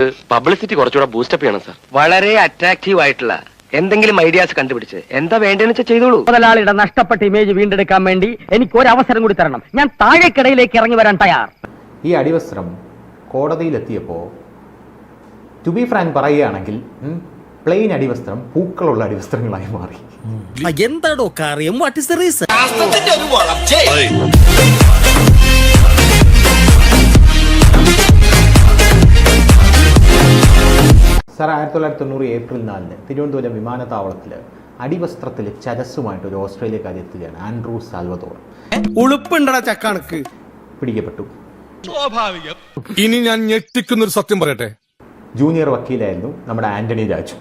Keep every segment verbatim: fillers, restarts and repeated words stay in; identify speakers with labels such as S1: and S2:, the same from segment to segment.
S1: Publicity കുറച്ചുകൂടെ boost up ചെയ്യണം sir.
S2: വളരെ അട്രാക്റ്റീവ് ആയിട്ടുള്ള എന്തെങ്കിലും ഐഡിയാസ് കണ്ടുപിടിച്ച് എന്താ വേണ്ടതെന്ന് വെച്ചാൽ ചെയ്തോളൂ.
S3: മുതലാളിയുടെ നഷ്ടപ്പെട്ട ഇമേജ് വീണ്ടെടുക്കാൻ വേണ്ടി എനിക്ക് ഒരു അവസരം കൂടി തരണം. ഞാൻ താഴേക്കിടയിലേക്ക് ഇറങ്ങി വരാൻ തയ്യാർ.
S4: ഈ അടിവസ്ത്രം കോടതിയിലെത്തിയപ്പോൾ ടു ബി ഫ്രാങ്ക് പറയുകയാണെങ്കിൽ പ്ലെയിൻ അടിവസ്ത്രം പൂക്കളുള്ള അടിവസ്ത്രങ്ങളായി മാറി.
S5: എന്താടോ കാര്യം? What is the reason?
S4: Sir, ആയിരത്തി തൊള്ളായിരത്തി തൊണ്ണൂറ് ഏപ്രിൽ നാലിന് തിരുവനന്തപുരം വിമാനത്താവളത്തിൽ അടിവസ്ത്രത്തിൽ ചരസുമായിട്ട് ഒരു ഓസ്ട്രേലിയക്കാരി എത്തുകയാണ്. ആൻഡ്രൂ സാൽവദോർ
S5: ഉളുപ്പുണ്ടടാ ചക്കണക്ക്
S4: പിടിക്കപ്പെട്ടു.
S6: സ്വാഭാവികം. ഇനി ഞാൻ ഞെട്ടിക്കുന്നൊരു സത്യം പറയട്ടെ.
S4: ജൂനിയർ വക്കീലായിരുന്നു നമ്മുടെ ആന്റണി രാജു.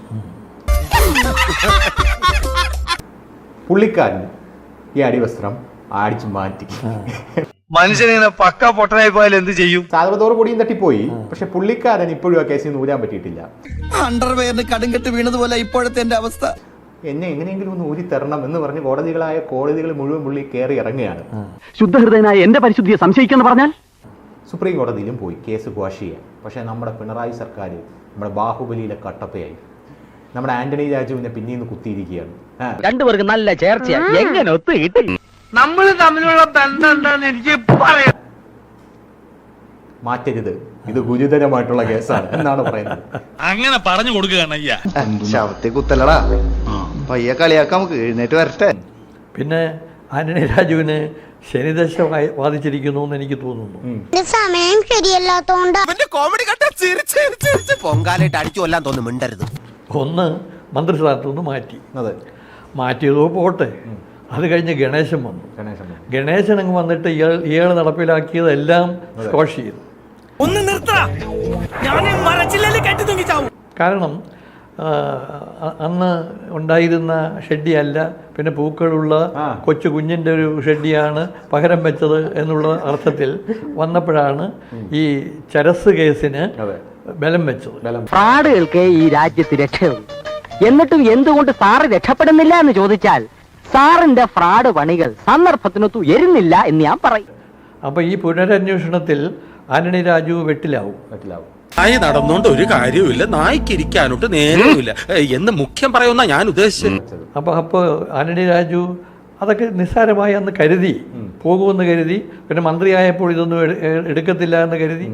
S4: പുള്ളിക്കാരൻ ഈ അടിവസ്ത്രം അടിച്ചു മാറ്റി.
S2: മനുഷ്യനിങ്ങനെ പക്ക പൊട്ടനായി പോയാൽ എന്ത് ചെയ്യും?
S4: സാൽവദോർ പൊടിയും തട്ടിപ്പോയി. പക്ഷെ പുള്ളിക്കാരൻ ഇപ്പോഴും ആ കേസിൽ നൂരാൻ പറ്റിയിട്ടില്ല.
S5: അണ്ടർവെയറിന് കടുങ്കെട്ട് വീണതുപോലെ ഇപ്പോഴത്തെ എന്റെ അവസ്ഥ.
S4: എന്നെ എങ്ങനെയെങ്കിലും ഒന്ന് ഊരി തരണം എന്ന് പറഞ്ഞ് കോടതികളായ കോടതികൾ മുഴുവൻ പുള്ളി കയറി ഇറങ്ങുകയാണ്.
S3: ശുദ്ധഹൃദയനായ എന്റെ പരിശുദ്ധിയെ സംശയിക്കുന്ന പറഞ്ഞാൽ
S4: സുപ്രീം കോടതിയിലും പോയി കേസ് ക്വാഷ് ചെയ്യാൻ. പക്ഷേ നമ്മുടെ പിണറായി സർക്കാർ നമ്മുടെ ബാഹുബലിയിലെ കട്ടപ്പയായി. നമ്മുടെ ആന്റണി രാജുവിനെ പിന്നീന്ന് കുത്തിയിരിക്കുകയാണ്.
S3: രണ്ടുപേർക്ക് നല്ല ചേർച്ചയാ. എങ്ങനെ ഒത്തു കിട്ടി?
S2: നമ്മൾ തമ്മിലുള്ള ബന്ധം എന്താന്ന് എനിക്ക് പറയാം.
S4: മാറ്റരുത്, ഇത് ഗുരുതരമായിട്ടുള്ള കേസാണ് എന്നാണ് പറയുന്നത്.
S6: അങ്ങനെ പറഞ്ഞു കൊടുക്കുകയാണ് അയ്യ.
S7: ശവത്തെ കുത്തലടാ, പയ്യ കളിയാക്കാം, നമുക്ക് എഴുന്നേറ്റ് വരട്ടെ.
S8: പിന്നെ ആന്റണി രാജുവിന് ശനിദശ ബാധിച്ചിരിക്കുന്നു എന്ന് എനിക്ക് തോന്നുന്നു.
S9: സമയം ശരിയല്ലാത്തോണ്ട്
S5: പൊങ്കാലായിട്ട് അടിച്ചു കൊല്ലാൻ തോന്നുന്നു. മിണ്ടരുത്.
S8: ഒന്ന് മന്ത്രിസ്ഥാനത്തു നിന്ന് മാറ്റി.
S4: അതെ,
S8: മാറ്റിയതോ പോട്ടെ. അത് കഴിഞ്ഞ് ഗണേശൻ വന്നു.
S4: ഗണേശൻ
S8: ഗണേശൻ അങ്ങ് വന്നിട്ട് ഇയാൾ ഇയാൾ നടപ്പിലാക്കിയതെല്ലാം സ്കോഷ് ചെയ്തു.
S5: ഒന്ന് നിർത്തടാ, ഞാൻ മരച്ചില്ലല്ലേ കെട്ടി തൂങ്ങി ചാവും.
S8: കാരണം അന്ന് ഉണ്ടായിരുന്ന ഷെഡിയല്ല, പിന്നെ പൂക്കളുള്ള കൊച്ചു കുഞ്ഞിൻ്റെ ഒരു ഷെഡിയാണ് പകരം വെച്ചത് എന്നുള്ള അർത്ഥത്തിൽ വന്നപ്പോഴാണ് ഈ ചരസ് കേസിന് ബലം വെച്ചത്.
S3: ഫ്രാഡുകൾക്ക് ഈ രാജ്യത്ത് രക്ഷയുള്ളൂ. എന്നിട്ടും എന്തുകൊണ്ട് സാറ് രക്ഷപ്പെടുന്നില്ല എന്ന് ചോദിച്ചാൽ സാറിന്റെ ഫ്രാഡ് പണികൾ സന്ദർഭത്തിനൊത്തു എരുന്നില്ല എന്ന് ഞാൻ പറയും.
S8: അപ്പൊ ഈ പുനരന്വേഷണത്തിൽ ആന്റണി രാജു വെട്ടിലാവും
S4: വെട്ടിലാവും
S6: നായി നടന്നുകൊണ്ട് ഒരു കാര്യവുമില്ല, നായിക്കിരിക്കാനോട്ട് നേരവുമില്ല എന്ന് മുഖ്യം പറയുന്ന ഞാൻ ഉദ്ദേശിച്ചത്.
S8: അപ്പൊ അപ്പോൾ ആന്റണി രാജു അതൊക്കെ നിസ്സാരമായി അന്ന് കരുതി പോകുമെന്ന് കരുതി. പിന്നെ മന്ത്രിയായപ്പോൾ ഇതൊന്നും എടുക്കത്തില്ല എന്ന് കരുതി.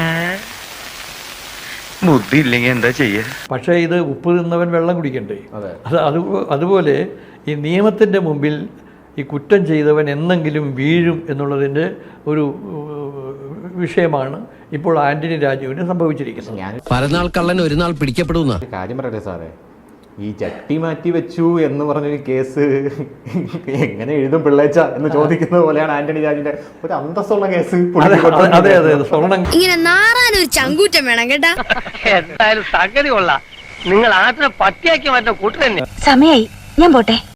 S2: ബുദ്ധി ഇല്ലെങ്കിൽ എന്താ ചെയ്യാ?
S8: പക്ഷേ ഇത് ഉപ്പ് തിന്നവൻ വെള്ളം കുടിക്കണ്ടേ?
S4: അതെ.
S8: അത് അത് അതുപോലെ ഈ നിയമത്തിൻ്റെ മുമ്പിൽ ഈ കുറ്റം ചെയ്തവൻ എന്നെങ്കിലും വീഴും എന്നുള്ളതിൻ്റെ ഒരു വിഷയമാണ് ഇപ്പോൾ ആന്റണി രാജുവിന് സംഭവിച്ചിരിക്കുന്നത്.
S4: ഞാൻ
S5: പരനാൾ കള്ളൻ ഒരു നാൾ പിടിക്കപ്പെടുന്ന
S4: കാര്യം പറയട്ടെ സാറേ, ഈ ചട്ടി മാറ്റി വെച്ചു എന്ന് പറഞ്ഞൊരു കേസ് എങ്ങനെ എഴുതും പിള്ളേച്ച എന്ന് ചോദിക്കുന്നത് പോലെയാണ് ആന്റണി രാജുവിന്റെ ഒരു അന്തസ്സുള്ള കേസ്.
S8: അതെ അതെ സ്വർണം
S9: ഇങ്ങനെ നാറാനൊരു ചങ്കൂറ്റം വേണം കേട്ടാ.
S3: എന്തായാലും സംഗതി കൊള്ളാം. നിങ്ങൾ ആദ്യം പട്ടിയാക്കി മാറ്റുന്ന കൂട്ടു തന്നെ.
S9: സമയായി, ഞാൻ പോട്ടെ.